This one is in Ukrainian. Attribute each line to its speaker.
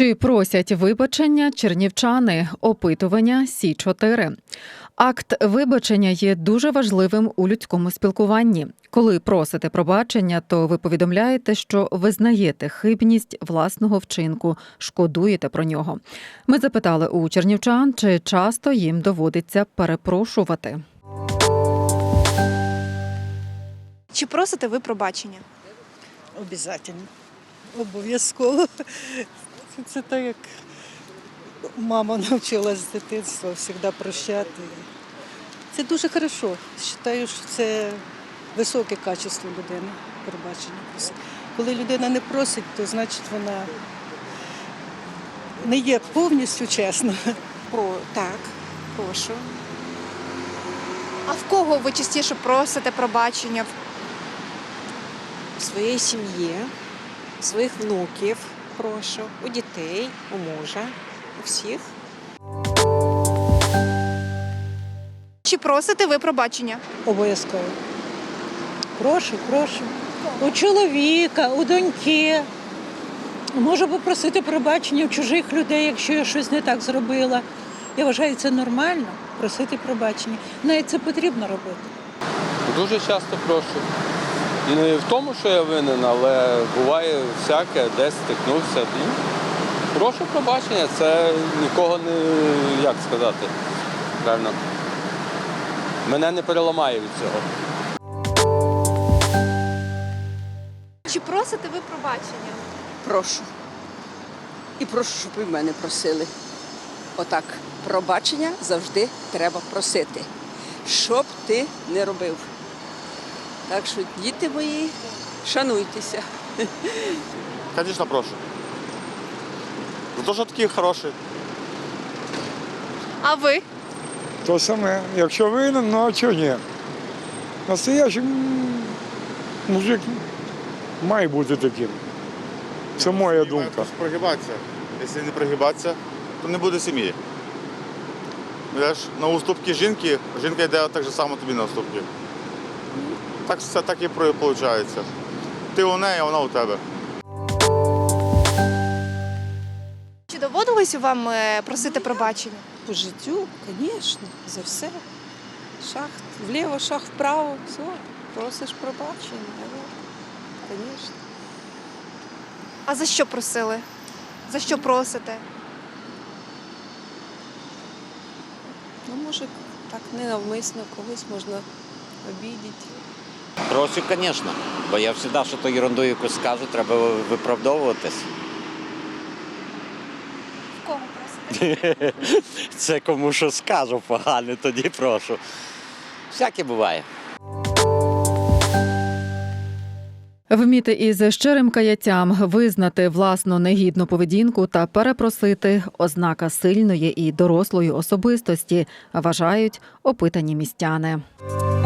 Speaker 1: Чи просять вибачення чернівчани? Опитування Сі-4. Акт вибачення є дуже важливим у людському спілкуванні. Коли просите пробачення, то ви повідомляєте, що визнаєте хибність власного вчинку, шкодуєте про нього. Ми запитали у чернівчан, чи часто їм доводиться перепрошувати.
Speaker 2: Чи просите ви пробачення?
Speaker 3: Обов'язково. Обов'язково. Це так, як мама навчила з дитинства завжди прощати. Це дуже хорошо. Вважаю, що це високе качество людини, пробачення. Коли людина не просить, то значить вона не є повністю чесна.
Speaker 2: Так, прошу. А в кого ви частіше просите пробачення?
Speaker 4: В своїй сім'ї, у своїх внуків прошу, у дітей, у мужа, у всіх.
Speaker 2: Чи просите ви пробачення?
Speaker 3: Обов'язково. Прошу. У чоловіка, у доньки. Можу попросити пробачення у чужих людей, якщо я щось не так зробила. Я вважаю, це нормально просити пробачення. Навіть це потрібно робити.
Speaker 5: Дуже часто прошу. Не в тому, що я винен, але буває всяке, десь стикнувся. І прошу пробачення, це нікого не, як сказати, правильно, мене не переламає від цього.
Speaker 2: Чи просите ви пробачення?
Speaker 6: Прошу. І прошу, щоб і в мене просили. Отак, пробачення завжди треба просити. Що б ти не робив. Так що, діти мої, шануйтеся.
Speaker 7: Звісно, прошу. За те, що такі хороші.
Speaker 2: А ви?
Speaker 8: То саме. Якщо винен, ну а чого ні? Настоящий мужик має бути таким. Це моя думка.
Speaker 7: Прогибатися. Якщо не прогибатися, то не буде сім'ї. Йдеш на уступки жінки, жінка йде так само тобі на уступки. Так все так і виходить. Ти у неї, а вона у тебе.
Speaker 2: Чи доводилось вам просити пробачення?
Speaker 4: По життю, звісно, за все. Шаг вліво, шаг вправо, все, просиш пробачення, звісно.
Speaker 2: А за що просили? За що просите?
Speaker 4: Ну, може, так ненавмисно когось можна обідати.
Speaker 9: Прошу, звісно, бо я завжди, що то ерунду якусь скажу, треба виправдовуватись.
Speaker 2: В кого просите?
Speaker 9: Це кому що скажу погано, тоді прошу. Всяке буває.
Speaker 1: Вміти із щирим каяттям визнати власну негідну поведінку та перепросити – ознака сильної і дорослої особистості, вважають опитані містяни.